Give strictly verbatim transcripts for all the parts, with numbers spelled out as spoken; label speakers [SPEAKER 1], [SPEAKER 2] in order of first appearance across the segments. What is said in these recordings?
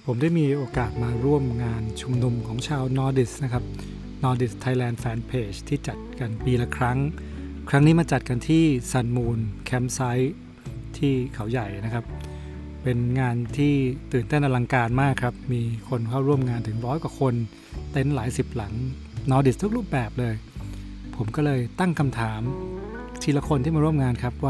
[SPEAKER 1] ผมได้มีโอกาสมาร่วมงานชุมนุมของชาว Nordisk นะครับ Nordisk Thailand Fan Page ที่จัดกันปีละครั้งครั้งนี้มาจัดกันที่ Sun Moon Campsite ที่เขาใหญ่นะครับเป็นงานที่ตื่นเต้นอลังการมากครับมีคนเข้าร่วมงานถึงร้อยกว่าคนเต็นท์หลายสิบหลัง Nordisk ทุกรูปแบบเลยผมก็เลยตั้งคำถามทีละคนที่มาร่วมงานครับว่า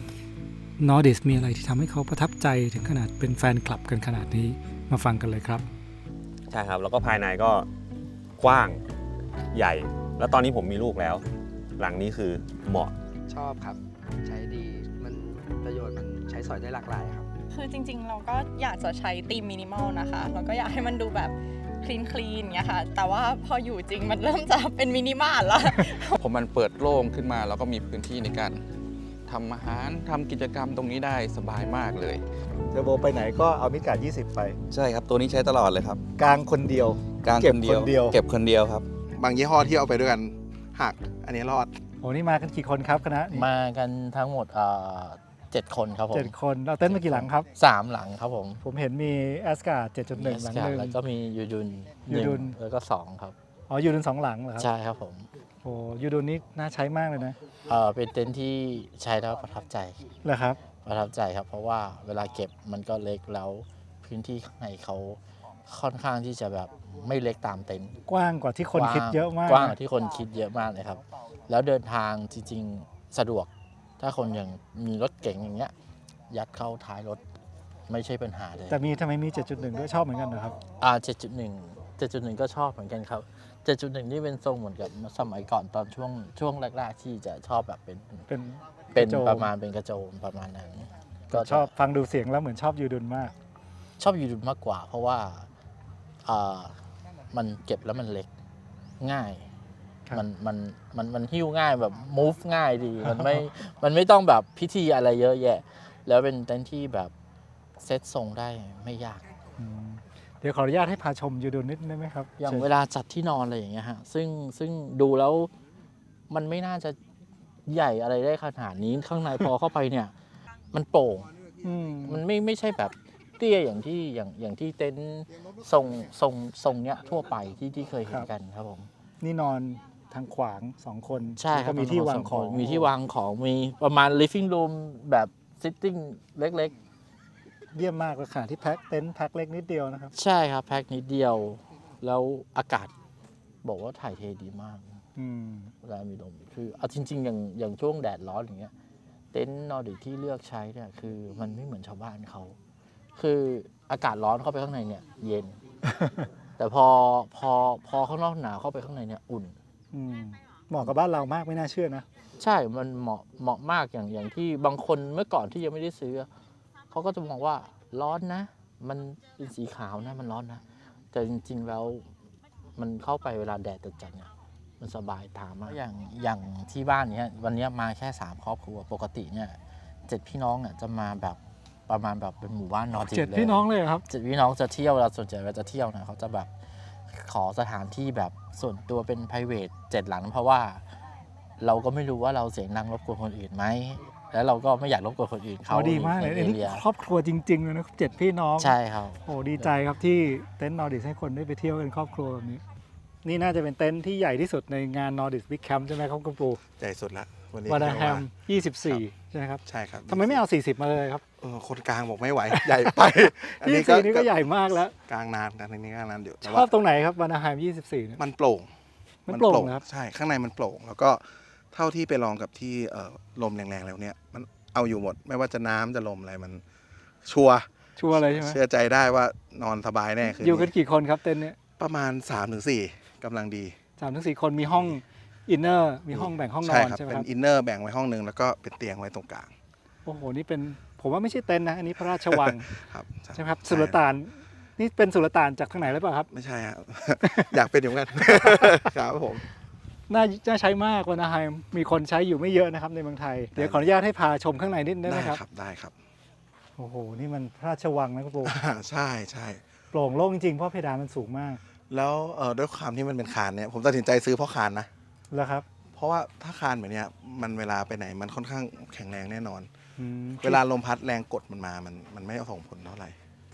[SPEAKER 1] Nordisk มีอะไรที่ทำให้เขาประทับใจถึงขนาดเป็นแฟนคลับกันขนาดนี้มาฟังกันเลยครับ
[SPEAKER 2] ใช่ครับแล้วก็ภายในก็กว้างใหญ่แล้วตอนนี้ผมมีลูกแล้วหลังนี้คือเหมาะ
[SPEAKER 3] ชอบครับใช้ดีมันประโยชน์มันใช้สอยได้หลากหลายครับ
[SPEAKER 4] คือจริงๆเราก็อยากจะใช้ธีมมินิมอลนะคะแล้วก็อยากให้มันดูแบบคลีนคลีนเงี้ยค่ะแต่ว่าพออยู่จริงมันเริ่มจะเป็นมินิมอลแล้ว
[SPEAKER 5] ผมมันเปิดโล่งขึ้นมาแล้วก็มีพื้นที่ในการทำอาหารทำกิจกรรมตรงนี้ได้สบายมากเลย
[SPEAKER 6] เทอร์โบไปไหนก็เอามิดการ์ดยี่สิบไป
[SPEAKER 5] ใช่ครับตัวนี้ใช้ตลอดเลยครับ
[SPEAKER 6] กลางคนเดียว
[SPEAKER 5] กลางคนเดียวเก็บคนเดียวครับ
[SPEAKER 7] บางยี่ห้อที่เอาไปด้วยกันหักอันนี้รอด
[SPEAKER 1] โอ้นี่มากันกี่คนครับคณะ
[SPEAKER 8] มากันทั้งหมดเจ็ดคนครับผม
[SPEAKER 1] เจ็ดคนเราเต้นมากี่หลังครับ
[SPEAKER 8] สามหลังครับผม
[SPEAKER 1] ผมเห็นมีแอสการ์ด เจ็ดจุดหนึ่ง หลังหนึ่ง
[SPEAKER 8] แล้วก็มียูดุน
[SPEAKER 1] ยูดุน
[SPEAKER 8] แล้วก็สองครับ
[SPEAKER 1] อ๋อยูดุนสองหลังเหรอครับ
[SPEAKER 8] ใช่ครับผม
[SPEAKER 1] โอ้ยูดุนนี่น่าใช้มากเลยนะ
[SPEAKER 8] เออเป็นเต็นท์ที่ใช้แล้วประทับใจ
[SPEAKER 1] เหรอครับ
[SPEAKER 8] ประทับใจครับเพราะว่าเวลาเก็บมันก็เล็กแล้วพื้นที่ข้างในเขาค่อนข้างที่จะแบบไม่เล็กตามเต็นท์
[SPEAKER 1] กว้างกว่าที่คนคิดเยอะมาก
[SPEAKER 8] กว้างกว่าที่คนคิดเยอะมากเลยครับแล้วเดินทางจริงๆสะดวกถ้าคนอย่างมีรถเก๋งอย่างเงี้ยยัดเข้าท้ายรถไม่ใช่ปัญหาเลย
[SPEAKER 1] แต่มีทำไมมี เจ็ดจุดหนึ่ง ด้วยชอบเหมือนกันนะครับ
[SPEAKER 8] อ่าเจ็ดจุดหนึ่ง เจ็ดจุดหนึ่ง ก็ชอบเหมือนกันครับเจ็ดจุดหนึ่ง นี่เป็นทรงเหมือนกับสมัยก่อนตอนช่วงช่วงแรกๆที่จะชอบแบบเป็น
[SPEAKER 1] เป็น
[SPEAKER 8] เป็นประมาณเป็นกระโจมประมาณนั้น
[SPEAKER 1] ก็ชอบฟังดูเสียงแล้วเหมือนชอบยูดุนมาก
[SPEAKER 8] ชอบยูดุนมากกว่าเพราะว่าอ่ามันเก็บแล้วมันเล็กง่ายมันมันมันมันหิ้วง่ายแบบ move ง่ายดีมันไม่มันไม่ต้องแบบพิธีอะไรเยอะแยะแล้วเป็นเต็นท์ที่แบบเซตทรงได้ไม่ยาก
[SPEAKER 1] เดี๋ยวขออนุญาตให้พาชมยูดุนนิดได้ไหมครับ
[SPEAKER 8] อย่างเวลาจัดที่นอนอะไรอย่างเงี้ยฮะซึ่งซึ่งดูแล้วมันไม่น่าจะใหญ่อะไรได้ขนาดนี้ข้างในพอเข้าไปเนี่ยมันโปร่งมันไม่ไม่ใช่แบบเตี้ยอย่างที่อย่างอย่างที่เต็นท์ทรงทรงทรงเนี้ยทั่วไปที่ที่เคยเห็นกันครับผม
[SPEAKER 1] นี่นอนทางขวางสองคน
[SPEAKER 8] ใช่ครับ
[SPEAKER 1] มีที่วางของ
[SPEAKER 8] มีที่วางของมีประมาณ living room แบบ sitting เล็ก
[SPEAKER 1] ๆเยี่ยมมากเลยค่ะที่แพ็คเต็นท์แพ็คเล็กนิดเดียวนะครับ
[SPEAKER 8] ใช่ครับแพ็คนิดเดียวแล้วอากาศบอกว่าถ่ายเทดีมากเวลามีลมคือเอาจริงๆอย่างอย่างช่วงแดดร้อนอย่างเงี้ยเต็นท์นอร์ดิกที่เลือกใช้เนี่ยคือมันไม่เหมือนชาวบ้านเขาคืออากาศร้อนเข้าไปข้างในเนี่ยเย็น แต่พอพอพอข้างนอกหนาวเข้าไปข้างในเนี่ยอุ่น
[SPEAKER 1] เหมาะกับบ้านเรามากไม่น่าเชื่อนะ
[SPEAKER 8] ใช่มันเหมาะเหมาะมากอย่างอย่างที่บางคนเมื่อก่อนที่ยังไม่ได้ซื้อเขาก็จะมองว่าร้อนนะมันเป็นสีขาวนะมันร้อนนะแต่จริงๆแล้วมันเข้าไปเวลาแดดจัดๆเนี่ยมันสบายตามากอย่างอย่างที่บ้านเนี้ยวันนี้มาแค่สามครอบครัวปกติเนี่ยเจ็ดพี่น้องเนี่ยจะมาแบบประมาณแบบเป็นหมู่บ้านนอร์ดิกเลย
[SPEAKER 1] เจ็ดพี่น้องเลยครับ
[SPEAKER 8] เจ็ดพี่น้องจะเที่ยวเราส่วนใหญ่เวลาจะเที่ยวเนี่ยเขาจะแบบขอสถานที่แบบส่วนตัวเป็น private เจ็ดหลังเพราะว่าเราก็ไม่รู้ว่าเราเสียงดังรบกวนคนอื่นไหมแล้วเราก็ไม่อยากรบกวนคนอื่นเขา
[SPEAKER 1] ดีมากเลยอันนี้ครอบครัวจริงๆเลยนะเจ็ดพี่น้อง
[SPEAKER 8] ใช่ครับ
[SPEAKER 1] โอ้ดีใจครับที่เต็นท์นอร์ดิกให้คนได้ไปเที่ยวกันครอบครัวแบบนี้นี่น่าจะเป็นเต็นท์ที่ใหญ่ที่สุดในงาน Nordisk Big Camp ใช่ไหมครับคุณปู
[SPEAKER 7] ใหญ่สุดละ
[SPEAKER 1] วันนี้วานาแฮมยี่สิบสี่ใช่ไหมครับ
[SPEAKER 7] ใช่ครับ
[SPEAKER 1] ทำไมไม่เอาสี่สิบมาเลยครับ
[SPEAKER 7] เออคนกลางบอกไม่ไหวใหญ่ไป
[SPEAKER 1] อันนี้ก็นี่ก็ใหญ่มากแล้ว
[SPEAKER 7] กลางนานกันอันนี้กลางนานเดี๋ยว
[SPEAKER 1] ชอบตรงไหนครับวานาแฮมยี่สิบสี่
[SPEAKER 7] มันโปร่ง
[SPEAKER 1] มันโปร่งครับ
[SPEAKER 7] ใช่ข้างในมันโปร่งแล้วก็เท่าที่ไปลองกับที่ลมแรงๆแล้วเนี่ยมันเอาอยู่หมดไม่ว่าจะน้ำจะลมอะไรมันชัวร์
[SPEAKER 1] ชัวร์เลยใช่ไหม
[SPEAKER 7] เชื่อใจได้ว่านอนสบายแน่คือ
[SPEAKER 1] อยู่กันกี่คนครับเต็นท์นี้
[SPEAKER 7] ประมาณ สามถึงสี่ กำลังดี
[SPEAKER 1] สามถึงสี่ คนมีห้องอินเนอร์มีห้องแบ่งห้องนอนใช่ไหมครับ
[SPEAKER 7] เป็นอินเนอร์แบ่งไว้ห้องนึงแล้วก็เป็นเตียงไว้ตรงกลาง
[SPEAKER 1] โอ้โหนี่เป็นผมว่าไม่ใช่เต็นท์นะอันนี้พระราชวัง
[SPEAKER 7] ครับ
[SPEAKER 1] ใช่ครับสุลต่านนี่เป็นสุลต่านจากทางไหนหรือเปล่าครับ
[SPEAKER 7] ไม่ใช่ครับอยากเป็นอย่างนั้นครับผม
[SPEAKER 1] น่าจะใช้มากวานาแฮมมีคนใช้อยู่ไม่เยอะนะครับในเมืองไทยเดี๋ยวขออนุญาตให้พาชมข้างในนิดได้ไหมครับ
[SPEAKER 7] ได้ครับ
[SPEAKER 1] โอ้โหนี่มันพระราชวังนะคุณปู
[SPEAKER 7] ใช่ใช่
[SPEAKER 1] โปร่งโล่งจริงเพราะเพดานมันสูงมาก
[SPEAKER 7] แล้วด้วยความที่มันเป็นคานเนี่ยผมตัดสินใจซื้อเพราะคานนะ
[SPEAKER 1] แล้วครับ
[SPEAKER 7] เพราะว่าถ้าคานแบบนี้มันเวลาไปไหนมันค่อนข้างแข็งแรงแน่นอนเวลาลมพัดแรงกดมันมามันมันไม่ส่งผลเท่าไหร่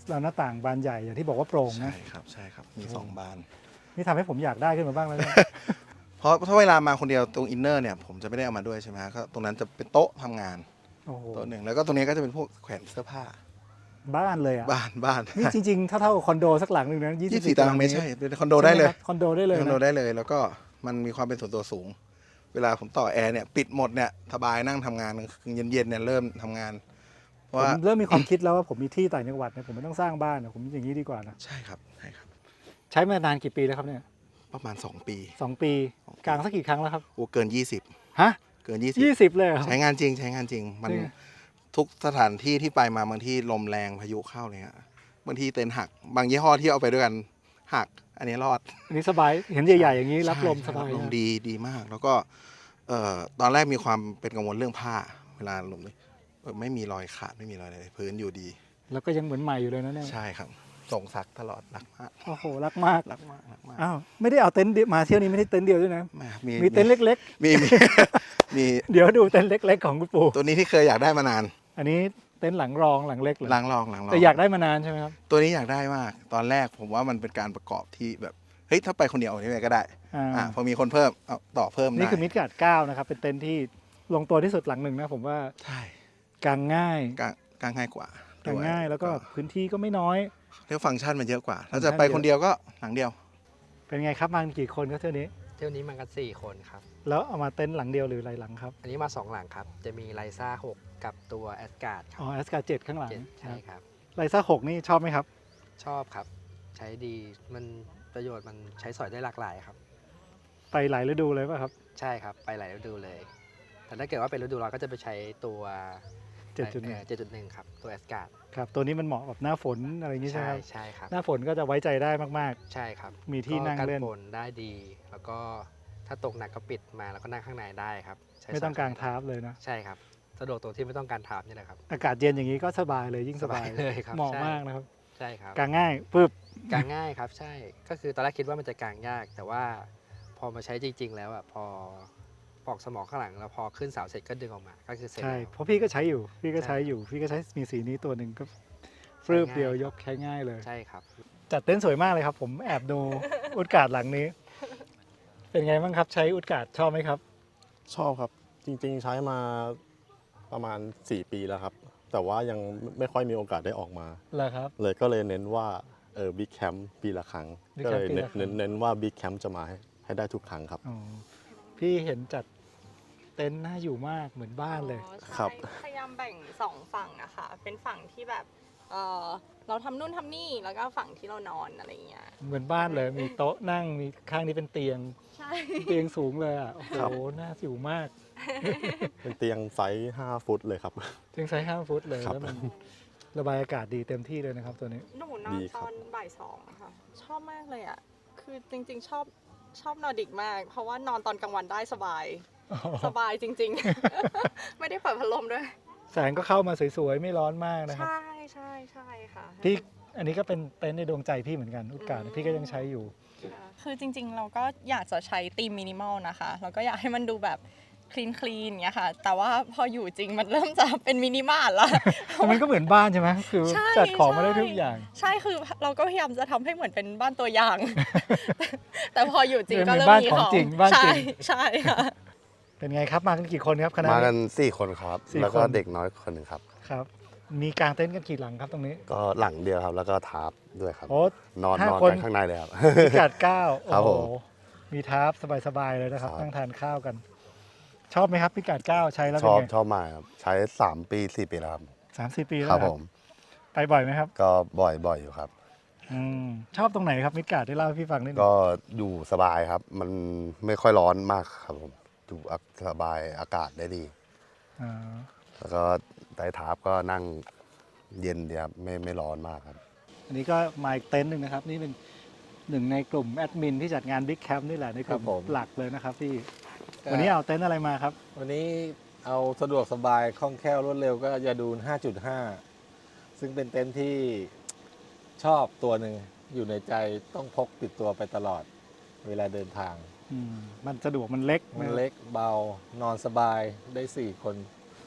[SPEAKER 1] แล้วหน้าต่างบานใหญ่อย่างที่บอกว่าโปร่งนะ
[SPEAKER 7] ใช่ครับใช่ครับมีสองบาน
[SPEAKER 1] นี่ทำให้ผมอยากได้ขึ้นมาบ้างแล้วเนี่ย
[SPEAKER 7] เพราะถ้าเวลามาคนเดียวตรงอินเนอร์เนี่ยผมจะไม่ได้เอามาด้วยใช่ไหมก็ตรงนั้นจะเป็นโต๊ะทำงาน
[SPEAKER 1] โอ้โห
[SPEAKER 7] โต๊ะหนึ่งแล้วก็ตรงนี้ก็จะเป็นพวกแขวนเสื้อผ้า
[SPEAKER 1] บ้านเลยอ่ะ
[SPEAKER 7] บ้านบ้าน
[SPEAKER 1] นี่จริงๆ ถ้าเท่ากับคอนโดสักหลังหนึ่งนะ
[SPEAKER 7] ยี่
[SPEAKER 1] ยี่
[SPEAKER 7] สิบสี่ตารางเมตรใช่เป็นคอนโดได้เลย
[SPEAKER 1] คอนโดได้เลย
[SPEAKER 7] คอนโด
[SPEAKER 1] นะ
[SPEAKER 7] ได้เลยแล้วก็มันมีความเป็นส่วนตัวสูง เวลาผมต่อแอร์เนี่ยปิดหมดเนี่ยสบายนั่งทำงานเย็นๆเนี่ยเริ่มทำงาน เพ
[SPEAKER 1] ผ
[SPEAKER 7] ราะ
[SPEAKER 1] ม
[SPEAKER 7] ว่า
[SPEAKER 1] เริ่มมีความคิดแล้วว่าผมมีที่ต่างจังหวัดเนี่ยผมไม่ต้องสร้างบ้านนะผมอย่างนี้ดีกว่านะ
[SPEAKER 7] ใช่ครับใช่ครับ
[SPEAKER 1] ใช้มานานกี่ปีแล้วครับเนี่ย
[SPEAKER 7] ประมาณ สอง ปี
[SPEAKER 1] สองปีกลางสักกี่ครั้งแล้วครับ
[SPEAKER 7] โอ้เกิน ยี่สิบ
[SPEAKER 1] ฮะ
[SPEAKER 7] เกิน ยี่สิบ
[SPEAKER 1] ยี่สิบเลยเหรอ
[SPEAKER 7] ใช้งานจริงใช้งานจริง มัน
[SPEAKER 1] จริง
[SPEAKER 7] ทุกสถานที่ที่ไปมาบางที่ลมแรงพายุเข้าเลยฮะบางทีเต็นท์หัก บางยี่ห้อที่เอาไปด้วยกันหัก อันนี้รอด
[SPEAKER 1] อันนี้สบายเห็นใหญ่ๆอย่างนี้รับลมส
[SPEAKER 7] ใช่
[SPEAKER 1] บาย
[SPEAKER 7] รับลม
[SPEAKER 1] นะ
[SPEAKER 7] ดีดีมาก แล้วก็เอ่อตอนแรกมีความเป็นกังวลเรื่องผ้า เวลาลมเลยเออไม่มีรอยขาดไม่มีรอยอะไรเลยพื้นอยู่ดี
[SPEAKER 1] แล้วก็ยังเหมือนใหม่อยู่เลยนะเนี่ย
[SPEAKER 7] ใช่ครับส่งซักตลอดรักมาก
[SPEAKER 1] โอ้โหรักมาก
[SPEAKER 7] รักมากรักมาก
[SPEAKER 1] อ้าวไม่ได้เอาเต็นท์เดียวมาเที่ยวนี้ไม่ได้เต็นท์เดียวด้วยนะ
[SPEAKER 7] แม่มี
[SPEAKER 1] มีเต็นท์เล็ก
[SPEAKER 7] มีมี มี
[SPEAKER 1] ๆ เดี๋ยวดูเต็นท์เล็ก ๆ ของคุณปู่
[SPEAKER 7] ตัวนี้ที่เคยอยากได้มานาน
[SPEAKER 1] อันนี้เต็นท์หลังรองหลังเล็กเหรอ
[SPEAKER 7] หลังรองหลังรอง
[SPEAKER 1] แต่อยากได้มานานใช่ไหมครับ
[SPEAKER 7] ตัวนี้อยากได้มาก ตอนแรกผมว่ามันเป็นการประกอบที่แบบเฮ้ยถ้าไปคนเดียวเอานี่ไปก็ได้
[SPEAKER 1] อ่า
[SPEAKER 7] อ่าพอมีคนเพิ่มเอาต่อเพิ่มได้
[SPEAKER 1] นี่คือมิดการ์ดเก้านะครับ เป็นเต็นท์ที่ลงตัวที่สุดหลังหนึ่งนะผมว่า
[SPEAKER 7] ใช่
[SPEAKER 1] กางง่าย
[SPEAKER 7] กางกางง่ายกว่า
[SPEAKER 1] กางง่ายแล้วก็
[SPEAKER 7] ด้วย
[SPEAKER 1] พื้นที่ก็ไม่น้อย
[SPEAKER 7] เรียกฟังก์ชันมันเยอะกว่า ถ้า
[SPEAKER 1] ฟั
[SPEAKER 7] จะ
[SPEAKER 1] งก์ชัน
[SPEAKER 7] ไปคนเดียวก็หลังเดียว
[SPEAKER 1] เป็นไงครับมากันกี่คนครับเที่ยวนี้
[SPEAKER 3] เที่ยวนี้มากันสี่คนครับ
[SPEAKER 1] แล้วเอามาเต็นท์หลังเดียวหรือหลายหลังครับ
[SPEAKER 3] อันนี้มาสองหลังครับ จะมีไลซ่าหกกับตัวแอสการ์ดครั
[SPEAKER 1] อ๋
[SPEAKER 3] บ
[SPEAKER 1] อแอสการ์เจ็ดข้างหลัง
[SPEAKER 3] เจ็ดใช่ครับ
[SPEAKER 1] ไลซ่าหกนี่ชอบไหมครับ
[SPEAKER 3] ชอบครับ ใช้ดีมันประโยชน์มันใช้สอยได้หลากหลายครับ
[SPEAKER 1] ไปหลายฤดูเลยป่ะครับ
[SPEAKER 3] ใช่ครับ ไปหลายฤดูเลย แต่ถ้าเกิดว่าเป็นฤดูร้อนก็จะไปใช้ตัว
[SPEAKER 1] เจ็ดจุดหนึ่ง
[SPEAKER 3] เจ็ดจุดหนึ่งครับ ตัวแอสการ์ด
[SPEAKER 1] ครับตัวนี้มันเหมาะกับหน้าฝนอะไรอย่างนี้ใช่ไหม
[SPEAKER 3] ใช่
[SPEAKER 1] ครับ
[SPEAKER 3] ใช่ครับ
[SPEAKER 1] หน้าฝนก็จะไว้ใจได้มาก
[SPEAKER 3] ใช่ครับ
[SPEAKER 1] มีที่นั่งเล่น
[SPEAKER 3] ก็กันฝนได้ดี แล้วก็ถ้าตกหนักก็ปิดมาแล้วก็นั่งข้างในได้ครับใช้
[SPEAKER 1] ๆ ไม่ต้อง
[SPEAKER 3] ส
[SPEAKER 1] กางทาร์ปเลยนะ
[SPEAKER 3] ใช่ครับ สะดวกตรงที่ไม่ต้องการทาร์ปนี่แหละครับ
[SPEAKER 1] อากาศเย็นอย่างนี้ก็สบายเลยยิ่งสบาย
[SPEAKER 3] สบายเลยครับ
[SPEAKER 1] เหมาะ
[SPEAKER 3] ใช่
[SPEAKER 1] มากนะครับ
[SPEAKER 3] ใช่ครับ
[SPEAKER 1] กางง่ายปึ๊บ
[SPEAKER 3] กางง่ายครับ ใช่ ก็คือตอนแรกคิดว่ามันจะกางยาก แต่ว่าพอมาใช้จริง ๆ แล้วอ่ะพอปอกสมองข้างหลังแล้วพอขึ้นเสาเสร็จก็ดึงออกมา ก็คือเสร็จ
[SPEAKER 1] ใช่
[SPEAKER 3] แล้ว
[SPEAKER 1] เพราะพี่ก็ใช้อยู่ พี่ก็
[SPEAKER 3] ใช่
[SPEAKER 1] ใช้อยู่ พี่ก็ใช้มีสีนี้ตัวหนึ่งก็ฟรืบ
[SPEAKER 3] ใช้ง่าย
[SPEAKER 1] เดียวยกใช้ง่ายเลย
[SPEAKER 3] ใช่ครับ
[SPEAKER 1] จัดเต็นท์สวยมากเลยครับ ผมแอบดู อุดการ์ดหลังนี้ เป็นไงบ้างครับใช้อุดการ์ดชอบไหมครับ
[SPEAKER 9] ชอบครับ จริงๆใช้มาประมาณ สี่ ปีแล้วครับ แต่ว่ายังไม่ค่อยมีโอกาสได้ออกมา
[SPEAKER 1] เหรอครับ
[SPEAKER 9] เลยก็เลยเน้นว่าเออบิ๊กแคมป์ปีละครั้ง
[SPEAKER 1] Big
[SPEAKER 9] ก็เลย
[SPEAKER 1] Camp ปี
[SPEAKER 9] เน้
[SPEAKER 1] ละ
[SPEAKER 9] น
[SPEAKER 1] ครั้ง
[SPEAKER 9] เน้นเน้นว่าบิ๊กแคมป์จะมาให้ให้ได้ทุกครั้งครับ
[SPEAKER 1] อ๋อพี่เห็นจัดเต็นท์น่าอยู่มากเหมือนบ้านเลย
[SPEAKER 4] อ๋อใช่
[SPEAKER 9] ครับ
[SPEAKER 4] พยายามแบ่งสองฝั่งอะค่ะ เป็นฝั่งที่แบบเออเราทำนู่นทำนี่แล้วก็ฝั่งที่เรานอนอะไรอย่างเงี้ย
[SPEAKER 1] เหมือนบ้านเลย มีโต๊ะนั่งมีข้างนี้เป็นเตียง
[SPEAKER 4] ใช่
[SPEAKER 1] เตียงสูงเลยอ่ะโอ้
[SPEAKER 9] ครับ
[SPEAKER 1] โหน่าอยู่มาก
[SPEAKER 9] เป็นเตียงไซส์ห้าฟุตเลยครับ
[SPEAKER 1] เตียงไซส์ห้าฟุตเลย
[SPEAKER 9] ครับ
[SPEAKER 1] แล้วมันระบายอากาศดีเต็มที่เลยนะครับตัวนี้
[SPEAKER 4] หนูนอน
[SPEAKER 9] ดีค
[SPEAKER 4] ต
[SPEAKER 9] รับ
[SPEAKER 4] อนบ่ายสองอะค่ะ ชอบมากเลยอะคือจริงๆ ชอบชอบนอร์ดิกมาก เพราะว่านอนตอนกลางวันได้สบาย สบายจริงๆ ไม่ได้เปิดพัดลมด้วย
[SPEAKER 1] แสงก็เข้ามาสวยๆ ไม่ร้อนมากนะครับ
[SPEAKER 4] ใช่ใช่ใช่ค่ะ
[SPEAKER 1] พี่อันนี้ก็เป็นเต็นท์ในดวงใจพี่เหมือนกันอุดการ์ดพี่ก็ยังใช้อยู่
[SPEAKER 4] คือจริงๆ เราก็อยากจะใช้ธีมมินิมอลนะคะ เราก็อยากให้มันดูแบบคลีนคลีนเงี้ยค่ะ แต่ว่าพออยู่จริงมันเริ่มจะเป็นมินิมอลแล้ว
[SPEAKER 1] แต่มันก็เหมือนบ้านใช่ไหมคือ
[SPEAKER 4] ใช่
[SPEAKER 1] จัดของมาได้
[SPEAKER 4] ใช่
[SPEAKER 1] ทุกอย่าง
[SPEAKER 4] ใช่คือเราก็พยายามจะทำให้เหมือนเป็นบ้านตัวอย่าง แต่พออยู่จริงก็
[SPEAKER 1] เหมื
[SPEAKER 4] เริ่
[SPEAKER 1] อน
[SPEAKER 4] ม
[SPEAKER 1] บ้าน
[SPEAKER 4] มี
[SPEAKER 1] ของ
[SPEAKER 4] ของ
[SPEAKER 1] จริงบ้านจริ
[SPEAKER 4] ใช่
[SPEAKER 1] ง
[SPEAKER 4] ใช่ค่ะ
[SPEAKER 1] เป็นไงครับมากันกี่คนครับคณะ
[SPEAKER 9] มากัน
[SPEAKER 1] นี้
[SPEAKER 9] สี่คนครับ
[SPEAKER 1] สี่
[SPEAKER 9] แล้วก็
[SPEAKER 1] คน
[SPEAKER 9] เด็กน้อยคนหนึ่งครับ
[SPEAKER 1] ครับ มีกางเต็นท์กันกี่หลังครับตรงนี้
[SPEAKER 9] ก็หลังเดียวครับ แล้วก็ทาร์ปด้วยครับ
[SPEAKER 1] โอ้
[SPEAKER 9] นอน
[SPEAKER 1] ห้าน
[SPEAKER 9] อน
[SPEAKER 1] คน
[SPEAKER 9] กันข้างในเลยครับ
[SPEAKER 1] พิกัดเก้า
[SPEAKER 9] ครับ
[SPEAKER 1] โอ้
[SPEAKER 9] ผ
[SPEAKER 1] โห
[SPEAKER 9] ม
[SPEAKER 1] มีทาร์ปสบายๆเลยนะครับ
[SPEAKER 9] ครับ
[SPEAKER 1] นั่งทานข้าวกัน ชอบไหมครับพิกัดเก้าใช้แล้ว
[SPEAKER 9] ช
[SPEAKER 1] เป็น
[SPEAKER 9] อบ
[SPEAKER 1] ไง
[SPEAKER 9] ชอบมากครับ ใช้สามปีสี่ปีแล้วครับ
[SPEAKER 1] สามสี่ปีแล้ว
[SPEAKER 9] ครับ
[SPEAKER 1] นะ
[SPEAKER 9] ผม
[SPEAKER 1] ไปบ่อยไหมครับ
[SPEAKER 9] ก็บ่อยบ่อยอยู่ครับ
[SPEAKER 1] อืมชอบตรงไหนครับมิดการ์ดได้เล่าให้พี่ฟังนิดนึง
[SPEAKER 9] ก็อยู่สบายครับ มันไม่ค่อยร้อนมากครับผมอยู่สบายอากาศได้ดี
[SPEAKER 1] อ่า
[SPEAKER 9] แล้วก็ไต้ทาร์ปก็นั่งเย็นดีครับไม่ไม่ร้อนมากครับ
[SPEAKER 1] อันนี้ก็มาอีกเต็นท์หนึ่งนะครับ นี่เป็นหนึ่งในกลุ่มแอดมินที่จัดงานบิ๊กแคมป์นี่แหละในกลุ่ม
[SPEAKER 10] ครับผม
[SPEAKER 1] หลักเลยนะครับพี่
[SPEAKER 10] ก็
[SPEAKER 1] วันนี้เอาเต็นท์อะไรมาครับ
[SPEAKER 10] วันนี้เอาสะดวกสบายคล่องแคล่วรวดเร็วก็ยาดูน ห้าจุดห้า ซึ่งเป็นเต็นท์ที่ชอบตัวหนึ่งอยู่ในใจต้องพกติดตัวไปตลอดเวลาเดินทาง
[SPEAKER 1] อืมมันสะดวกมันเล็ก
[SPEAKER 10] มัน
[SPEAKER 1] นะ
[SPEAKER 10] เล็กเบานอนสบายได้ สี่ คน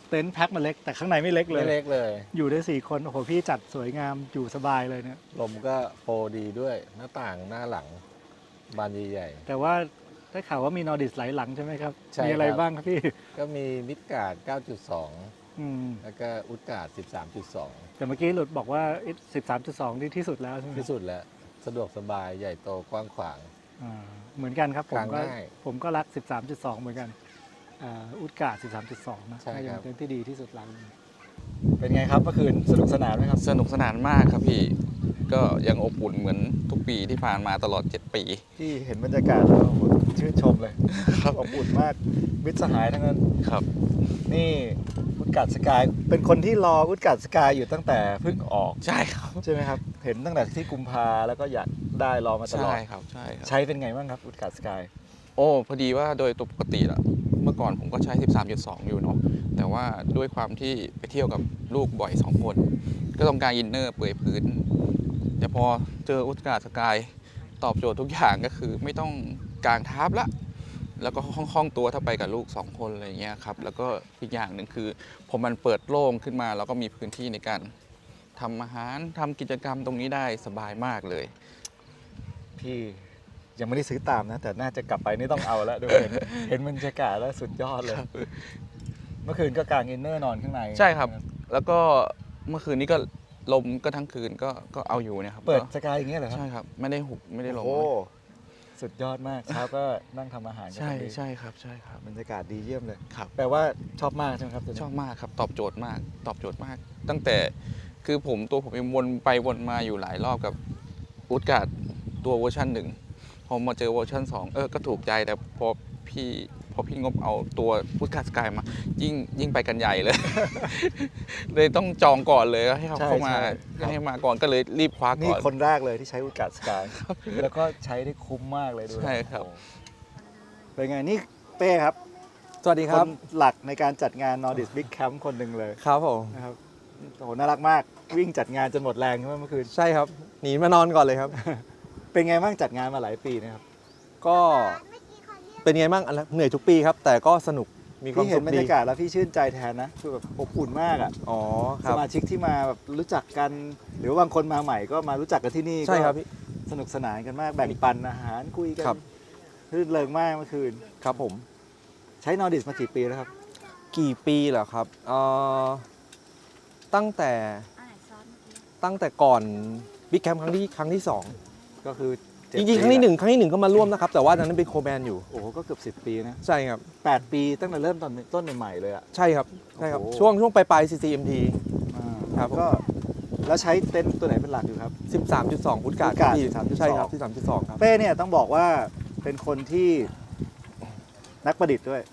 [SPEAKER 1] เต็นท์แพ็คมาเล็กแต่ข้างในไม่เล็กเลย
[SPEAKER 10] ไม่เล็กเลย
[SPEAKER 1] อยู่ได้สี่คนโอ้โหพี่จัดสวยงามอยู่สบายเลยเนี่ย
[SPEAKER 10] ลมก็โฟร์ดีด้วย หน้าต่างหน้าหลัง บานใหญ่
[SPEAKER 1] แต่ว่าได้ข่าวว่ามีนอร์ดิสหลายหลังใช่ไหมครับ
[SPEAKER 10] ใช่
[SPEAKER 1] มีอะไร
[SPEAKER 10] ครับ
[SPEAKER 1] บ้างครับพี่
[SPEAKER 10] ๆ ก็มีมิดการ์ด เก้าจุดสอง
[SPEAKER 1] อืม
[SPEAKER 10] แล้วก็อุดการ์ด สิบสามจุดสอง
[SPEAKER 1] แต่เมื่อกี้หลุดบอกว่า สิบสามจุดสองที่ที่สุดแล้วใช่ไหม
[SPEAKER 10] ที่สุดแล้ว สะดวกสบายใหญ่โตกว้างขวาง
[SPEAKER 1] อ่าเหมือนกันครับผมก็
[SPEAKER 10] กางง่าย
[SPEAKER 1] ผมก็รัก สิบสามจุดสอง เหมือนกันอ่าอุดกาด สิบสามจุดสอง นะ
[SPEAKER 10] ใช่
[SPEAKER 1] น่าจะ
[SPEAKER 10] ครับ
[SPEAKER 1] เป็นเต็นท์ที่ดีที่สุดหลังหนึ่งเป็นไงครับเมื่อคืนสนุกสนานไหมครับ
[SPEAKER 5] สนุกสนานมากครับพี่ ก็ยังอบอุ่นเหมือนทุกปีที่ผ่านมาตลอด เจ็ด ปี
[SPEAKER 6] ที่เห็นบรรยากาศแล้วโอ้โหชื่นชมเลย
[SPEAKER 5] ครับ
[SPEAKER 6] อบอุ่นมากมิตรสหายทั้งนั้น
[SPEAKER 5] ครับ
[SPEAKER 6] นี่อุดกัดสกายเป็นคนที่รออุดกัดสกายอยู่ตั้งแต่เพิ่งออก
[SPEAKER 5] ใช่ครับ
[SPEAKER 6] ใช่ไหมครับ เห็นตั้งแต่ที่กุมภาแล้วก็อยากได้รอมาตลอ
[SPEAKER 5] ใช่
[SPEAKER 6] ด
[SPEAKER 5] ครับใช่ครับ
[SPEAKER 6] ใช้เป็นไงบ้างครับอุดกัดสกาย
[SPEAKER 5] โอ้พอดีว่าโดยตัวปกติอะเมื่อก่อนผมก็ใช้ สิบสามจุดสอง อยู่เนาะแต่ว่าด้วยความที่ไปเที่ยวกับลูกบ่อยสองคน ก็ต้องการอินเนอร์เปื่อยพื้น แต่พอเจออุตกาสกายตอบโจทย์ทุกอย่างก็คือไม่ต้องกางทับละ แล้วก็คล่องๆตัวถ้าไปกับลูกสองคนอะไรอย่างเงี้ยครับแล้วก็อีกอย่างหนึ่งคือพอมันเปิดโล่งขึ้นมาแล้วก็มีพื้นที่ในการทำอาหารทำกิจกรรมตรงนี้ได้สบายมากเลย
[SPEAKER 6] พี่ยังไม่ได้ซื้อตามนะ แต่น่าจะกลับไปนี่ต้องเอาแล้วดูเห็น เห็นบรรยากาศแล้วสุดยอดเลย เมื่อคืนก็กางอินเนอร์นอนข้างใน
[SPEAKER 5] ใช่ครับ แล้วก็เมื่อคืนนี้ก็ลมก็ทั้งคืนก็ก็เอาอยู่เนี่ยครับ
[SPEAKER 6] เปิด
[SPEAKER 5] ก็
[SPEAKER 6] สกายอย่างเงี้ยเหรอครับ
[SPEAKER 5] ใช่ครับไม่ได้หุบไม่ได้ลม
[SPEAKER 6] โอ้สุดยอดมากเช้าก็นั่งทำอาหารกัน
[SPEAKER 5] ใช่
[SPEAKER 6] ตรงนี้
[SPEAKER 5] ใช่ครับใช่ครับ
[SPEAKER 6] บรรยากาศดีเยี่ยมเลย
[SPEAKER 5] ครับ
[SPEAKER 6] แปลว่าชอบมากใช่ไหมครับตัวนี้
[SPEAKER 5] ชอบมากครับตอบโจทย์มากตอบโจทย์มาก ตั้งแต่คือผมตัวผมเองวนไปวนมาอยู่หลายรอบกับอุดการ์ดตัวเวอร์ชันหนึ่งพอมาเจอเวอร์ชันสองเออก็ถูกใจแต่พอพี่พอพี่งบเอาตัวอุดการ์ดสกายมา ยิ่งยิ่งไปกันใหญ่เลย เลยต้องจองก่อนเลยให้เขา
[SPEAKER 6] ใช่
[SPEAKER 5] เข้ามา
[SPEAKER 6] ใช่ครับ
[SPEAKER 5] ให้มาก่อนก็เลยรีบคว้า
[SPEAKER 6] นี่
[SPEAKER 5] ก่อน
[SPEAKER 6] คนแรกเลยที่ใช้อุดกัดสกายแล้วก็ใช้ได้คุ้มมากเลยดูนะ
[SPEAKER 5] ใช่ครับ
[SPEAKER 6] โอ้เป็นไงนี่เป้ครับ
[SPEAKER 11] สวัสดีครับ
[SPEAKER 6] นหลักในการจัดงาน Nordic Big Camp คนหนึ่งเลย
[SPEAKER 11] ครับผม
[SPEAKER 6] นะครับโอ้โหน่ารักมากวิ่งจัดงานจนหมดแรงใช่ไหมเมื่อคืน
[SPEAKER 11] ใช่ครับ หนีมานอนก่อนเลยครับ
[SPEAKER 6] เป็นไงบ้างจัดงานมาหลายปีนะครับ
[SPEAKER 11] ก็เป็นไงบ้างอันละเหนื่อยทุกปีครับ แต่ก็สนุกมีความ
[SPEAKER 6] พี่เห็
[SPEAKER 11] สุ
[SPEAKER 6] น
[SPEAKER 11] ข
[SPEAKER 6] บร
[SPEAKER 11] ดี
[SPEAKER 6] รยากาศแล้วพี่ชื่นใจแทนนะคือแบบอบอุ่นมากอ่ะ
[SPEAKER 11] อ๋อค
[SPEAKER 6] ส
[SPEAKER 11] รับ
[SPEAKER 6] มาชิกที่มาแบบรู้จักกัน หรือว่าบางคนมาใหม่ก็มารู้จักกันที่นี่
[SPEAKER 11] ใช่ครับ
[SPEAKER 6] ก็
[SPEAKER 11] พี่
[SPEAKER 6] สนุกสนานกันมากแบ่งปันอาหารคุยกัน
[SPEAKER 11] ครับ
[SPEAKER 6] รื่นเริงมากเมื่อคืน
[SPEAKER 11] ครับผม
[SPEAKER 6] ใช้ Nordic มากี่ปีแล้วครับ
[SPEAKER 11] กี่ปีเหรอครับเอ่อตั้งแต่ตั้งแต่ก่อนบิ๊กแคมป์ครั้งที่ครั้งที่สอง
[SPEAKER 6] ก็คือเจ็ด
[SPEAKER 11] จริงๆ ครั้งที่หนึ่งครั้งที่หนึ่งก็มาร่วมนะครับ แต่ว่าตอนนั้นเป็นโคแบนอยู่
[SPEAKER 6] โอ้โหก็เกือบสิบปีนะ
[SPEAKER 11] ใช่ครับ
[SPEAKER 6] แปดปีตั้งแต่เริ่มตอนต้นใหม่ๆเลยอ่ะ
[SPEAKER 11] ใช่ครับใช่ครับ
[SPEAKER 6] โอ้โห
[SPEAKER 11] ช่วงช่วงปลายปลาย ซี ซี เอ็ม ที
[SPEAKER 6] อ่า
[SPEAKER 11] ครับผม
[SPEAKER 6] ก็แล้วใช้เต็นท์ตัวไหนเป็นหลักอยู่ครับ
[SPEAKER 11] สิบสามจุดสองพุทธการ์ด
[SPEAKER 6] พุทธการ์ด
[SPEAKER 11] พี่
[SPEAKER 6] สิบสามจุดสอง
[SPEAKER 11] ใช่ครับสิบสามจุดสองครับ
[SPEAKER 6] เป้เนี่ยต้องบอกว่าเป็นคนที่นักประดิษฐ์ด้วย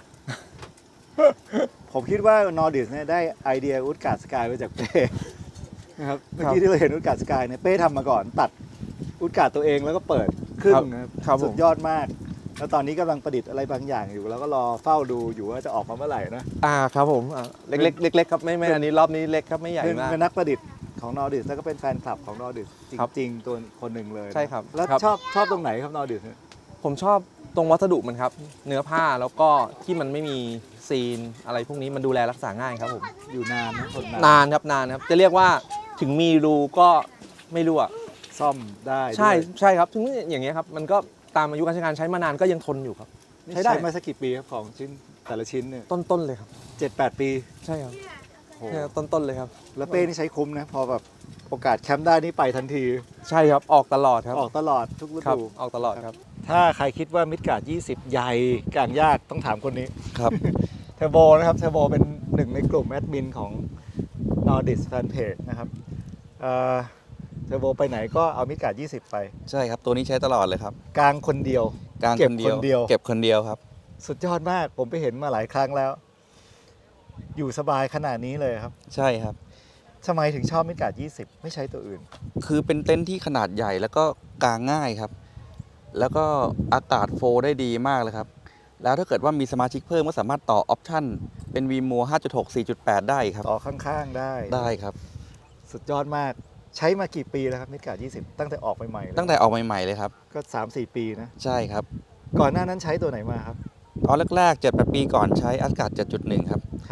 [SPEAKER 6] ผมคิดว่า Nordic เนี่ยได้ไอเดียอุดการ์ดสกายมาจากเป้นะครับเมื่อกี้ที่เราเห็นอุดการ์ดสกายเนี่ยเป้ทำมาก่อนตัดอุดการ์ดตัวเองแล้วก็เปิดครึ่งนะครับ
[SPEAKER 11] ครับผม
[SPEAKER 6] สุดยอดมาก แล้วตอนนี้กำลังประดิษฐ์อะไรบางอย่างอยู่ แล้วก็รอเฝ้าดูอยู่ว่าจะออกมาเมื่อไหร่นะ
[SPEAKER 11] อ่าครับผมอ่าเล็กๆเล็กๆครับไม่ไม่อันนี้รอบนี้เล็กครับไม่ใหญ่
[SPEAKER 6] เป็น
[SPEAKER 11] มาก
[SPEAKER 6] เป็นนักประดิษฐ์ของ Nordic แล้วก็เป็นแฟนคลับของ Nordic จ
[SPEAKER 11] ครับ
[SPEAKER 6] ริงๆตัวคนหนึ่งเลยนะ
[SPEAKER 11] ใช่ครับ
[SPEAKER 6] แล้ว
[SPEAKER 11] ครับ
[SPEAKER 6] ชอบชอบตรงไหนครับ Nordic เนี่ย
[SPEAKER 11] ผมชอบตรงวัสดุมันครับ เนื้อผ้าแล้วก็ที่มันไม่มีซีนอะไรพวกนี้มันดูแลรักษาง่ายครับผม
[SPEAKER 6] อยู่นานนะทนนาน
[SPEAKER 11] นานครับนานครับ จะเรียกว่าถึงมีรูก็ไม่รั่ว
[SPEAKER 6] ซ่อมได้
[SPEAKER 11] ใช่
[SPEAKER 6] ด้วย
[SPEAKER 11] ใช่ครับถึงอย่างเงี้ยครับมันก็ตามอายุการใช้งานใช้มานานก็ยังทนอยู่ครับ
[SPEAKER 6] นี่
[SPEAKER 11] ใช้ได้
[SPEAKER 6] ใช้มาสักกี่ปีครับของชิ้นแต่ละชิ้นเนี่ย
[SPEAKER 11] ต้นๆเลยครับ
[SPEAKER 6] เจ็ดแปดปี
[SPEAKER 11] ใช่ครับ
[SPEAKER 6] โอ้โห
[SPEAKER 11] ใช่ครับต้นๆเลยครับ
[SPEAKER 6] แล้วเป้นี่ใช้คุ้มนะ พอแบบโอกาสแคมป์ได้นี่ไปทันที
[SPEAKER 11] ใช่ครับออกตลอดครับ
[SPEAKER 6] ออกตลอดทุกฤ
[SPEAKER 11] ครับ
[SPEAKER 6] ดู
[SPEAKER 11] ออกตลอดครับ
[SPEAKER 6] ถ้าใครคิดว่ามิดการ์ดยี่สิบใหญ่กลางยากต้องถามคนนี้
[SPEAKER 11] ครับ
[SPEAKER 6] เทอร์โบนะครับเทอร์โบเป็นหนึ่งในกลุ่มแอดมินของ Nordic Fanpage นะครับเอ่อเทอร์โบไปไหนก็เอามิดการ์ดยี่สิบไป
[SPEAKER 2] ใช่ครับ ตัวนี้ใช้ตลอดเลยครับ
[SPEAKER 6] กลางคนเดียว
[SPEAKER 2] กลาง
[SPEAKER 6] เก็บ
[SPEAKER 2] คนเดียว
[SPEAKER 6] คนเดียว
[SPEAKER 2] เก็บคนเดียวครับ
[SPEAKER 6] สุดยอดมากผมไปเห็นมาหลายครั้งแล้ว อยู่สบายขนาดนี้เลยครับ
[SPEAKER 2] ใช่ครับ
[SPEAKER 6] ทำไมถึงชอบมิดการ์ดยี่สิบไม่ใช้ตัวอื่น
[SPEAKER 2] คือเป็นเต็นท์ที่ขนาดใหญ่แล้วก็กางง่ายครับ แล้วก็อากาศโฟลว์ได้ดีมากเลยครับ แล้วถ้าเกิดว่ามีสมาชิกเพิ่มก็สามารถต่อออปชั่นเป็น วี โม ห้าจุดหก สี่จุดแปด ได้ครับ
[SPEAKER 6] ต่อข้างๆได้
[SPEAKER 2] ได้ครับ
[SPEAKER 6] สุดยอดมมาก ใช้มากี่ปีแล้วครับมิดการ์ดยี่สิบตั้งแต่ออกใหม่ๆเลย
[SPEAKER 2] ตั้งแต่ออกใหม่ๆเลยครับ
[SPEAKER 6] ก็สามสี่ปีนะ
[SPEAKER 2] ใช่ครับ
[SPEAKER 6] ก่อนหน้านั้นใช้ตัวไหนมาครับ
[SPEAKER 2] ตอนแรกๆเจ็ดแปดปีก่อนใช้อากาศ เจ็ดจุดหนึ่ง ครับ
[SPEAKER 6] ครับ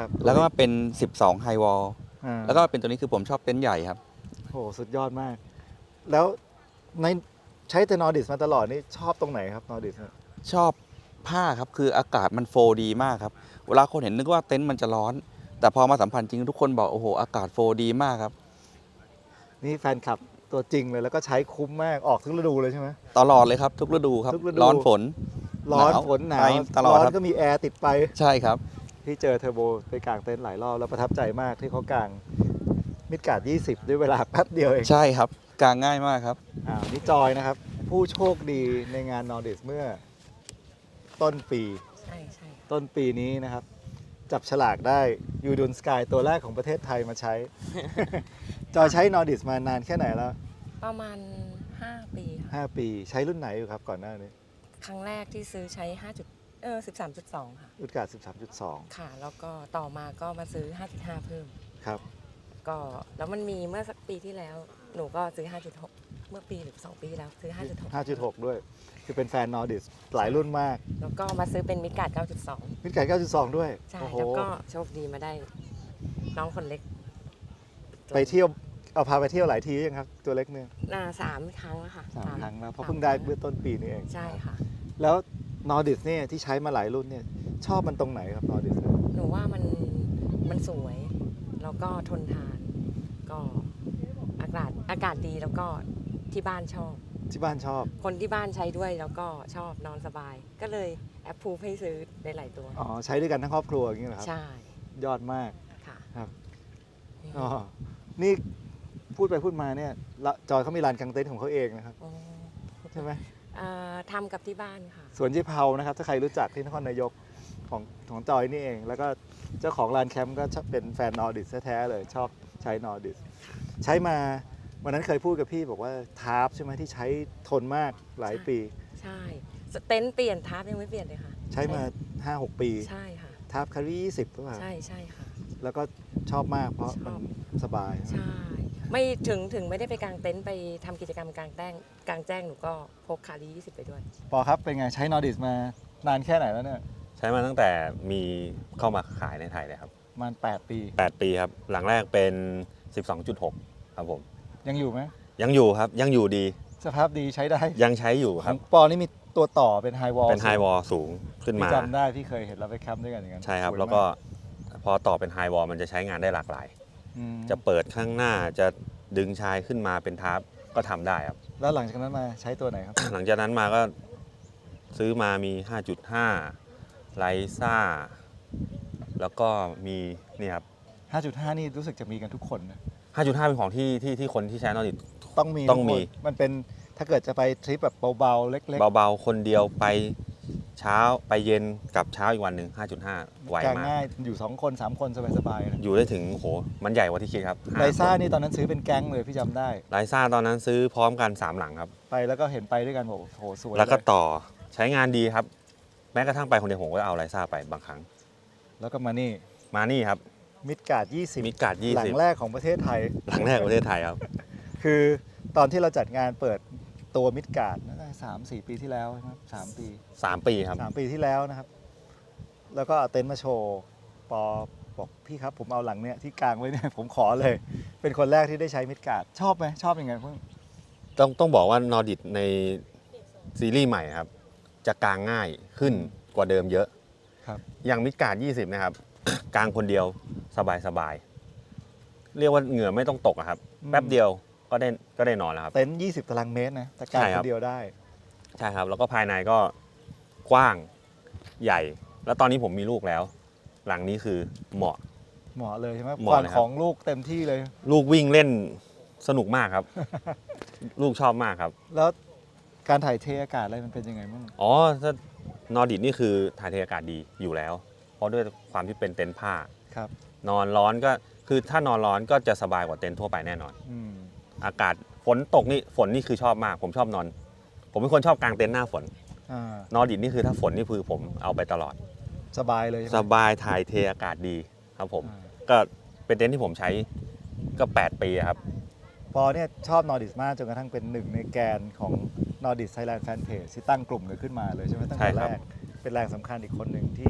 [SPEAKER 6] ครับ
[SPEAKER 2] แล้วก็มาเป็นสิบสองไฮวอล
[SPEAKER 6] อ่า
[SPEAKER 2] แล้วก็เป็นตัวนี้คือผมชอบเต็นท์ใหญ่ครับ
[SPEAKER 6] โอ้สุดยอดมาก แล้วในใช้แต่นอร์ดิสมาตลอดนี่ชอบตรงไหนครับนอร์ดิส
[SPEAKER 2] ชอบผ้าครับ คืออากาศมันโฟร์ดีมากครับ เวลาคนเห็นนึกว่าเต็นท์มันจะร้อน แต่พอมาสัมผัสจริงทุกคนบอกโอ้โหอากาศโฟร์ดีมากครับ
[SPEAKER 6] นี่แฟนคลับตัวจริงเลยแล้วก็ใช้คุ้มมากออกทุกฤดูเลยใช่ไหม
[SPEAKER 2] ตลอดเลยครับทุกฤดูครับ
[SPEAKER 6] ทุกฤดู
[SPEAKER 2] ร้อนฝน
[SPEAKER 6] ร้อน
[SPEAKER 2] หนาว
[SPEAKER 6] ฝนหนาว
[SPEAKER 2] ไปตลอด
[SPEAKER 6] ร้อน
[SPEAKER 2] ครับ
[SPEAKER 6] ก็มีแอร์ติดไป
[SPEAKER 2] ใช่ครับ
[SPEAKER 6] ที่เจอเทอร์โบไปกางเต็นท์หลายรอบแล้วประทับใจมากที่เขากางมิดการ์ดยี่สิบด้วยเวลาแป๊บเดียวเอง
[SPEAKER 2] ใช่ครับกางง่ายมากครับ
[SPEAKER 6] อ่านี่จอยนะครับ ผู้โชคดีในงานนอร์ดิสเมื่อต้นปี
[SPEAKER 12] ใช่ใช่
[SPEAKER 6] ต้นปีนี้นะครับ จับฉลากได้ยูดุนสกายตัวแรกของประเทศไทยมาใช้ จอยใช้นอร์ดิสมานานแค่ไหนแล้ว
[SPEAKER 12] ประมาณ ห้า ปีค่ะ
[SPEAKER 6] ห้าปีใช้รุ่นไหนอยู่ครับก่อนหน้านี้
[SPEAKER 12] ครั้งแรกที่ซื้อใช้5จุดเออสิบสามจุดสอง ค่ะ
[SPEAKER 6] รุ่นการ์ดสิบสามจุดสอง
[SPEAKER 12] ค่ะ แล้วก็ต่อมาก็มาซื้อ ห้าจุดห้า เพิ่ม
[SPEAKER 6] ครับ
[SPEAKER 12] ก็แล้วมันมีเมื่อสักปีที่แล้ว หนูก็ซื้อ ห้าจุดหก เมื่อปีหรือสองปีที่แล้วซื้อ ห้าจุดหก
[SPEAKER 6] ห้าจุดหก ด้วย คือเป็นแฟนนอร์ดิสหลายรุ่นมาก
[SPEAKER 12] แล้วก็มาซื้อเป็นมิดการ์ดเก้าจุดสอง
[SPEAKER 6] มิดการ์ดเก้าจุดสองด้วย
[SPEAKER 12] ใช่
[SPEAKER 6] โอ้โห
[SPEAKER 12] แล้วก็โชคดีมาได้น้องคนเล็ก
[SPEAKER 6] ไปเที่ยวเอาพาไปเที่ยวหลายทียังครับ ตัวเล็กเนี่ย
[SPEAKER 12] น่าสามครั้งแล้วค่ะ
[SPEAKER 6] สามครั้งแล้วเพราะ
[SPEAKER 12] ส
[SPEAKER 6] เพิ่งได้เมื่อต้นปีนี้เอง
[SPEAKER 12] ใช่ค่ะ
[SPEAKER 6] แล้วนอร์ดิสเนี่ยที่ใช้มาหลายรุ่นเนี่ยชอบมันตรงไหนครับนอร์ดิส
[SPEAKER 12] หนูว่ามันมันสวย แล้วก็ทนทาน ก็อากาศอากาศดีแล้วก็ที่บ้านชอบ
[SPEAKER 6] ที่บ้านชอบ
[SPEAKER 12] คนที่บ้านใช้ด้วยแล้วก็ชอบนอนสบาย ก็เลยแอปพูให้ซื้อได้หลายตัว
[SPEAKER 6] อ๋อใช้ด้วยกันทั้งครอบครัวอย่างนี้เหรอครับ
[SPEAKER 12] ใช่
[SPEAKER 6] ยอดมาก
[SPEAKER 12] ค่ะ
[SPEAKER 6] ครับอ๋อนี่พูดไปพูดมาเนี่ยละจอยเขามีลานกางเต็นท์ของเขาเองนะครับ
[SPEAKER 12] อ๋อ
[SPEAKER 6] ใช่ไหม
[SPEAKER 12] เอ่อทำกับที่บ้านค่ะ
[SPEAKER 6] สวนยี่เผานะครับถ้าใครรู้จักที่นครนายกของของจอยนี่เอง แล้วก็เจ้าของลานแคมป์ก็ชอบเป็นแฟนนอร์ดิสแท้ๆเลยชอบใช้นอร์ดิสใช้มาวันนั้นเคยพูดกับพี่บอกว่าทาร์ปใช่ไหมที่ใช้ทนมากหลายปี
[SPEAKER 12] ใช่เต็นท์เปลี่ยนทับยังไม่เปลี่ยนเลยค่ะ
[SPEAKER 6] ใช้มา ห้าหก ปี
[SPEAKER 12] ใช่ค่ะ
[SPEAKER 6] ทาร์ปคารียี่สิบก็ว่า
[SPEAKER 12] ใช่ใช่ค่ะ
[SPEAKER 6] แล้วก็ชอบมากเพราะ
[SPEAKER 12] ชอบ
[SPEAKER 6] มันสบาย
[SPEAKER 12] ใช่ ไม่ถึงถึงไม่ได้ไปกางเต็นท์ไปทำกิจกรรมกลางแจ้งกลางแจ้งหนูก็พกคารียี่สิบไปด้วย
[SPEAKER 6] ปอครับเป็นไงใช้นอร์ดิสมานานแค่ไหนแล้วเนี่ย
[SPEAKER 13] ใช้มาตั้งแต่มีเข้ามาขายในไทยเลยครับ
[SPEAKER 6] ประมาณแปดปี
[SPEAKER 13] แปด ปีครับ หลังแรกเป็น สิบสองจุดหก ครับผม
[SPEAKER 6] ยังอยู่ไหม
[SPEAKER 13] ยังอยู่ครับ ยังอยู่ดี
[SPEAKER 6] สภาพดีใช้ได้
[SPEAKER 13] ยังใช้อยู่
[SPEAKER 6] ข
[SPEAKER 13] ครั
[SPEAKER 6] อบ งปอนี่มีตัวต่อเป็นไฮวอล
[SPEAKER 13] เป็นไฮวอลสูงขึ้นมา
[SPEAKER 6] จำได้พี่เคยเห็นเราไปแคมป์ด้วยกันอย่างนั้น
[SPEAKER 13] ใช่ครับ
[SPEAKER 6] สย
[SPEAKER 13] แล้วก็
[SPEAKER 6] มาก
[SPEAKER 13] พอต่อเป็นไฮวอลมันจะใช้งานได้หลากหลาย
[SPEAKER 6] อืม
[SPEAKER 13] จะเปิดข้างหน้าจะดึงชายขึ้นมาเป็นทาร์ปก็ทำได้ครับ
[SPEAKER 6] แล้วหลังจากนั้นมาใช้ตัวไหนครับ
[SPEAKER 13] หลังจากนั้นมาก็ซื้อมามี ห้าจุดห้า ไลซ่า แล้วก็มีนี่ครับ
[SPEAKER 6] ห้าจุดห้า นี่รู้สึกจะมีกันทุกคนนะ
[SPEAKER 13] ห้าจุดห้า เป็นของที่ที่ที่คนที่ใช้นอร์ดิส
[SPEAKER 6] ต้องมี
[SPEAKER 13] ต้องมี
[SPEAKER 6] ทุกคนมันเป็นถ้าเกิดจะไปทริปแบบเบาๆเล็ก
[SPEAKER 13] เบาๆ คนเดียวไปเช้าไปเย็นกับเช้าอีกวันหนึ่ง ห้าจุดห้า ไว
[SPEAKER 6] ๆกาง
[SPEAKER 13] มาก
[SPEAKER 6] ง่ายอยู่สองคนสามคนสบายๆนะ
[SPEAKER 13] อยู่ได้ถึงโหมันใหญ่กว่าที่คิดครับ
[SPEAKER 6] ไลซ่า
[SPEAKER 13] ห้ค
[SPEAKER 6] นี่ตอนนั้นซื้อเป็นแก๊งเลยพี่จำได้
[SPEAKER 13] ไลซ่าตอนนั้นซื้อพร้อมกัน สาม หลังครับ
[SPEAKER 6] ไปแล้วก็เห็นไปด้วยกันบอกโอ้โหสวย
[SPEAKER 13] แล้วก็
[SPEAKER 6] เย
[SPEAKER 13] ต่อใช้งานดีครับ แม้กระทั่งไปคนเดียวผมก็เอาไลซ่าไปบางครั้ง
[SPEAKER 6] แล้วก็มานี่
[SPEAKER 13] มานี่ครับ
[SPEAKER 6] มิดการ์ดยี่สิบ
[SPEAKER 13] มิดการ์ดยี่
[SPEAKER 6] หลั
[SPEAKER 13] สิบ
[SPEAKER 6] งแรกของประเทศไทย
[SPEAKER 13] หลังแรกของประเทศไทยครับ
[SPEAKER 6] คือตอนที่เราจัดงานเปิดตัวมิดการ์ดน่าจะสามสี่ปีที่แล้วใช่ไหมสามปี
[SPEAKER 13] สาม ปีครับ
[SPEAKER 6] สามปีที่แล้วนะครับ แล้วก็เอาเต็นท์มาโชว์ปอบอกพี่ครับผมเอาหลังเนี้ยที่กลางไว้เนี่ย ผมขอเลย เป็นคนแรกที่ได้ใช้มิดการ์ดชอบไหมชอบยังไงเพิ่ง
[SPEAKER 13] ต้องต้องบอกว่านอร์ดิสในซีรีส์ใหม่ครับ จะกางง่ายขึ้นกว่าเดิมเยอะ
[SPEAKER 6] ครับ
[SPEAKER 13] อย่างมิดการ์ดยี่สิบนะครับ กางคนเดียวสบายสบายๆเรียกว่าเหงื่อไม่ต้องตกอะครับ แป๊บเดียวก็ได้ก็ได้นอนแล้วครับ
[SPEAKER 6] เต็นท์ยี่สิบตารางเมตรนะแต่กลาง
[SPEAKER 13] ใช่
[SPEAKER 6] ค
[SPEAKER 13] ครับ
[SPEAKER 6] นเดียวได้
[SPEAKER 13] ใช่ครับ แล้วก็ภายในก็กว้างใหญ่ แล้วตอนนี้ผมมีลูกแล้ว หลังนี้คือเหมาะ
[SPEAKER 6] เหมาะเลยใช่ไหม
[SPEAKER 13] เหมาะ
[SPEAKER 6] ความ
[SPEAKER 13] เลยครับ
[SPEAKER 6] ของลูกเต็มที่เลย
[SPEAKER 13] ลูกวิ่งเล่นสนุกมากครับ ลูกชอบมากครับ
[SPEAKER 6] แล้วการถ่ายเทอากาศอะไรมันเป็นยังไงบ้าง
[SPEAKER 13] อ๋อถ้านอร์ดิสนี่คือถ่ายเทอากาศดีอยู่แล้ว เพราะด้วยความที่เป็นเต็นท์ผ้า
[SPEAKER 6] ครับ
[SPEAKER 13] นอนร้อนก็คือถ้านอนร้อนก็จะสบายกว่าเต็นท์ทั่วไปแน่นอน
[SPEAKER 6] อืม
[SPEAKER 13] อากาศฝนตกนี่ฝนนี่คือชอบมาก ผมชอบนอน ผมเป็นคนชอบกางเต็นท์หน้าฝน
[SPEAKER 6] อ่า
[SPEAKER 13] นอร์ดิสนี่คือถ้าฝนนี่คือผมเอาไปตลอด
[SPEAKER 6] สบายเลยใช่ไหม
[SPEAKER 13] สบายถ่ายเทอากาศดีครับผม
[SPEAKER 6] อ่า
[SPEAKER 13] ก็เป็นเต็นท์ที่ผมใช้ก็แปดปีอะครับ
[SPEAKER 6] ปอเนี่ยชอบนอร์ดิสมากจนกระทั่งเป็นหนึ่งในแกนของนอร์ดิสไทยแลนด์แฟนเพจที่ตั้งกลุ่มกันขึ้นมาเลยใช่ไหมตั้ง
[SPEAKER 13] ใช่
[SPEAKER 6] แต่
[SPEAKER 13] ครั
[SPEAKER 6] แร
[SPEAKER 13] บ
[SPEAKER 6] กเป็นแรงสำคัญอีกคนหนึ่งที่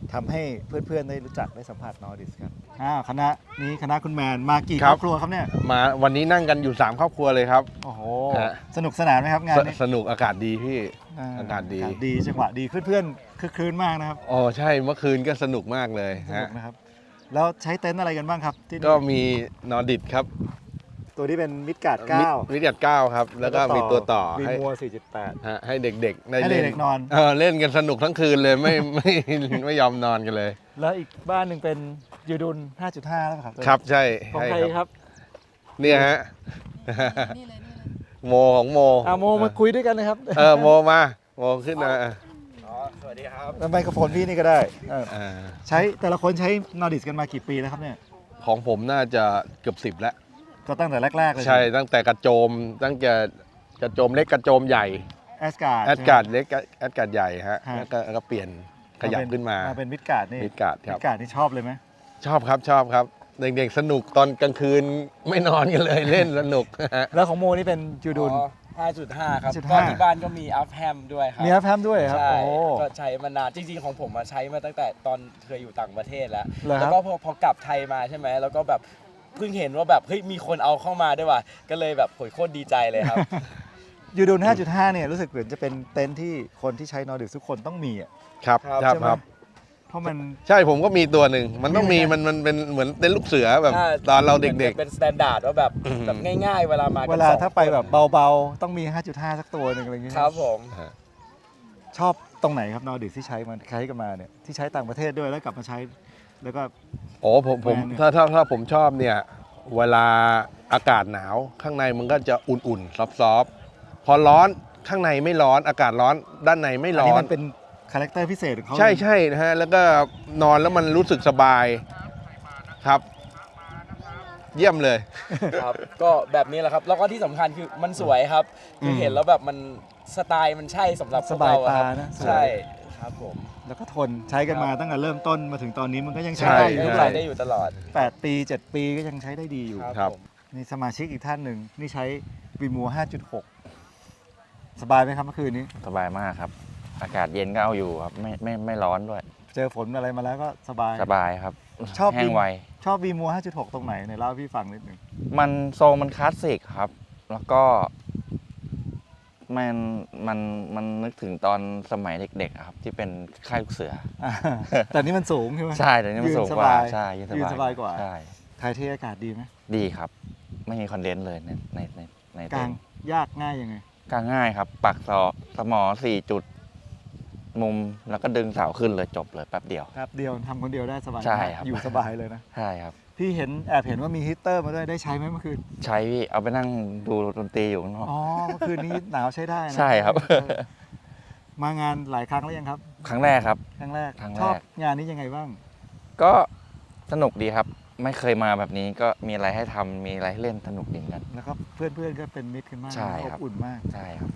[SPEAKER 6] ทำให้เพื่อนๆได้รู้จักได้สัมผัสนอร์ดิสกันอ้าวคณะนี้คณะคุณแมนมากี่
[SPEAKER 10] ค
[SPEAKER 6] ครับ รอบครัวครับเนี่ย
[SPEAKER 10] มาวันนี้นั่งกันอยู่ สาม ครอบครัวเลยครับ
[SPEAKER 6] โอ้โห
[SPEAKER 10] ฮะ
[SPEAKER 6] สนุกสนานไหมครับงาน
[SPEAKER 10] ส
[SPEAKER 6] นี้
[SPEAKER 10] สนุกอากาศดีพี่ อากาศดี
[SPEAKER 6] ดีจังหวะดีเพื่อนๆคึกคืนมากนะครับ
[SPEAKER 10] อ๋อใช่เมื่อคืนก็สนุกมากเลย
[SPEAKER 6] สนุ
[SPEAKER 10] ฮะ
[SPEAKER 6] กนะครับแล้วใช้เต็นท์อะไรกันบ้างครับที่นี่
[SPEAKER 10] ก็มีนอร์ดิดครับ
[SPEAKER 6] ตัวนี้เป็นมิดการ์ดเก้า
[SPEAKER 10] วิทยาเก้าครับ แล้วก็มีตัวต่อ
[SPEAKER 6] วี
[SPEAKER 10] ให้
[SPEAKER 6] มัวสี่จุดแปด
[SPEAKER 10] ฮะให้เด็กๆได้
[SPEAKER 6] ให้
[SPEAKER 10] เล่น
[SPEAKER 6] เด็กๆนอน
[SPEAKER 10] เออเล่นกันสนุกทั้งคืนเลยไม่ ไม่ไม่ยอมนอนกันเลย
[SPEAKER 6] แล้วอีกบ้านหนึ่งเป็นยูดุลห้าจุดห้าแล้วครับ
[SPEAKER 10] ครับใช่
[SPEAKER 6] ของ
[SPEAKER 10] ใช่
[SPEAKER 6] ใครครับ
[SPEAKER 10] เนี่ยฮะโมของโม
[SPEAKER 6] อ่าโมมาคุยด้วยกันนะครับ
[SPEAKER 10] เออโมมาโมขึ้นมา
[SPEAKER 6] สวัสดีครับไมโครโฟนพี่นี่ก็ได้เออ
[SPEAKER 10] อ่า
[SPEAKER 6] ใช้แต่ละคนใช้นอร์ดิสกันมากี่ปีแล้วครับเนี่ย
[SPEAKER 10] ของผมน่าจะเกือบสิบแล้ว
[SPEAKER 6] ก็ตั้งแต่แรกๆเลย
[SPEAKER 10] ใช่ตั้งแต่กระโจมตั้งแต่กระโจมเล็กกระโจมใหญ่
[SPEAKER 6] แอสการ์ด
[SPEAKER 10] แอดการ์ดเล็กแอดการ์ดใหญ่ฮะ
[SPEAKER 6] ฮะ
[SPEAKER 10] แล้วก็แล้วก็เปลี่ยนขยับขึ้นมา
[SPEAKER 6] มาเป็นมิดการ์ดนี่
[SPEAKER 10] มิดการ์ดครับ
[SPEAKER 6] มิดการ์ดนี่ชอบเลยไหม
[SPEAKER 10] ชอบครับชอบครับเด็กๆสนุกตอนกลางคืนไม่นอนกันเลย เล่นสนุก
[SPEAKER 6] แล้วของโมนี่เป็นยูดุล
[SPEAKER 14] ห้าจุดห้า ครับ
[SPEAKER 6] ห้าจุด
[SPEAKER 14] ก็
[SPEAKER 6] ห้า
[SPEAKER 14] ที่บ้านก็มีอัพแฮมด้วยครับ
[SPEAKER 6] มีอัพแฮมด้วยครับ
[SPEAKER 14] ใช่
[SPEAKER 6] โอ้โห
[SPEAKER 14] ก็ใช้มานานจริงๆของผมอะใช้มาตั้งแต่ตอนเคยอยู่ต่างประเทศแล้ว
[SPEAKER 6] เหรอครับ
[SPEAKER 14] แล้วก็พอพอกลับไทยมาใช่ไหมแล้วก็แบบเพิ่งเห็นว่าแบบเฮ้ยมีคนเอาเข้ามาด้วยว่ะก็เลยแบบโหยโคตรดีใจเลยครับ
[SPEAKER 6] ยูดุลห้าจุดห้าเนี่ยรู้สึกเหมือนจะเป็นเต็นท์ที่คนที่ใช้นอร์ดิสทุกคนต้องมีอ่ะ
[SPEAKER 10] ครับ
[SPEAKER 14] ครับ
[SPEAKER 10] ครับ
[SPEAKER 6] ใช่ไหม
[SPEAKER 10] ครับ
[SPEAKER 6] เพราะมัน
[SPEAKER 10] ใช่ผมก็มีตัวหนึ่งมันต้องมีมันมันเป็นเหมือนเต้นลูกเสือแบบ
[SPEAKER 14] ใช่
[SPEAKER 10] ตอนเราเด็ก
[SPEAKER 14] เป็นสแตนดาร์ดว่าแบบ
[SPEAKER 10] อืม
[SPEAKER 14] แบบง่ายๆ เวลามากัน
[SPEAKER 6] เวลา
[SPEAKER 14] สอง
[SPEAKER 6] ถ้าไป
[SPEAKER 14] คน
[SPEAKER 6] แบบเบาๆ ต้องมี ห้าจุดห้า สักตัวหนึ่งอะไรอย่างเงี้ย
[SPEAKER 14] ครับผม
[SPEAKER 6] ชอบตรงไหนครับนอร์ดิสที่ใช้มันใช้กันมาเนี่ยที่ใช้ต่างประเทศด้วยแล้วกลับมาใช้ แล้วก็
[SPEAKER 10] ๆโอ้ผมผม
[SPEAKER 6] แบรนด์เนี่ย
[SPEAKER 10] ถ้าถ้าถ้าผมชอบเนี่ยเวลาอากาศหนาวข้างในมันก็จะอุ่นๆซอฟๆพอร้อนข้างในไม่ร้อนอากาศร้อนด้านในไม่
[SPEAKER 6] อัน
[SPEAKER 10] ร้อ
[SPEAKER 6] นี้
[SPEAKER 10] น
[SPEAKER 6] มันเป็นคาแรคเตอร์พิเศษของเขา
[SPEAKER 10] ใช่ใช่นะฮะแล้วก็นอนแล้วมันรู้สึกสบายครับ เยี่ยมเลย
[SPEAKER 14] ครับก็แบบนี้แหละครับ แล้วก็ที่สำคัญคือมันสวยครับคือเห็นแล้วแบบมันสไตล์มันใช่สำหรับพ
[SPEAKER 6] ส
[SPEAKER 14] วก
[SPEAKER 6] บาย
[SPEAKER 14] เราอะ
[SPEAKER 6] ตา
[SPEAKER 14] ครับ
[SPEAKER 6] นะสวย
[SPEAKER 14] ใช่ครับผม
[SPEAKER 6] แล้วก็ทนใช้กันมาตั้งแต่เริ่มต้นมาถึงตอนนี้มันก็ยังใช้
[SPEAKER 10] ใช่
[SPEAKER 6] ได้อยู่
[SPEAKER 14] ได้
[SPEAKER 6] เท่าไหร่
[SPEAKER 14] ได้อยู่ตลอด
[SPEAKER 6] แปดปีเจ็ดปีก็ยังใช้ได้ดีอยู่
[SPEAKER 10] ครับ
[SPEAKER 14] ผม
[SPEAKER 6] นี่สมาชิกอีกท่านหนึ่งนี่ใช้วีมัวห้าจุดหกสบายไหมครับเมื่อคืนนี้
[SPEAKER 15] สบายมากครับ อากาศเย็นก็เอาอยู่ครับ ไม่ไม่ไม่ร้อนด้วย
[SPEAKER 6] เจอฝนอะไรมาแล้วก็สบาย
[SPEAKER 15] สบายครับ
[SPEAKER 6] ชอบ
[SPEAKER 15] แห้งไว
[SPEAKER 6] ชอบวีมัวห้าจุดหกตรงไหนเนี่ยเล่าให้พี่ฟังนิดหนึ่ง
[SPEAKER 15] มันทรงมันคลาสสิกครับ แล้วก็มันมันมันนึกถึงตอนสมัยเด็กๆอะครับ ที่เป็นค่ายลูกเสือ
[SPEAKER 6] อ่าแต่นี่มันสูงใช่ไหม
[SPEAKER 15] ใช่แต่นี่มัน
[SPEAKER 6] ยื
[SPEAKER 15] สูง
[SPEAKER 6] ส
[SPEAKER 15] กว่า
[SPEAKER 6] บาย
[SPEAKER 15] ใช่ยืน
[SPEAKER 6] ยืน
[SPEAKER 15] ส
[SPEAKER 6] ส
[SPEAKER 15] บา
[SPEAKER 6] บาย ยกว่า
[SPEAKER 15] ใช่
[SPEAKER 6] ไทยเทอากาศดีไหม
[SPEAKER 15] ดีครับ ไม่มีคอนเดนซ์เลยในในในใน
[SPEAKER 6] กลาง
[SPEAKER 15] เต็นท์
[SPEAKER 6] ยากง่ายยังไง
[SPEAKER 15] กลางง่ายครับ ปักศอกสมอสี่จุด มุมแล้วก็ดึงเสาขึ้นเลยจบเลยแป๊บเดียว
[SPEAKER 6] ครับเดียวทำคนเดียวได้สบาย
[SPEAKER 15] ใช่ครับ
[SPEAKER 6] อยู่สบายเลยนะ
[SPEAKER 15] ใช่ครับ
[SPEAKER 6] พี่เห็นแอบเห็นว่ามีฮีตเตอร์มาด้วยได้ใช้ไหมเมื่อคืน
[SPEAKER 15] ใช้พี่เอาไปนั่งดูดนตรีอยู่ข้างนอก
[SPEAKER 6] อ๋อเมื่อคืนนี้หนาวใช้ได้นะ
[SPEAKER 15] ใช่ครับ
[SPEAKER 6] มางานหลายครั้งแล้วยังครับ
[SPEAKER 15] ครั้งแรกครับ
[SPEAKER 6] ครั้งแรก
[SPEAKER 15] ครั้งแรก
[SPEAKER 6] ชอบงานนี้ยังไงบ้าง
[SPEAKER 15] ก็สนุกดีครับ ไม่เคยมาแบบนี้ก็มีอะไรให้ทำมีอะไรให้เล่นสนุกดีเหมือนกัน
[SPEAKER 6] แล้วก็เพื่อนๆก็เป็นมิตรกันมาก
[SPEAKER 15] ใช่
[SPEAKER 6] อ
[SPEAKER 15] ครับ
[SPEAKER 6] บอุ่นมาก
[SPEAKER 15] ใช่ครับ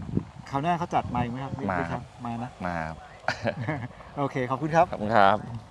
[SPEAKER 6] คราวหน้าเขาจัดมาอีกไหมครับ
[SPEAKER 15] มา
[SPEAKER 6] บิ๊ก
[SPEAKER 15] ครับ
[SPEAKER 6] มานะ
[SPEAKER 15] มาครับ
[SPEAKER 6] โอเคขอบคุณครับ
[SPEAKER 15] ขอบคุณครับ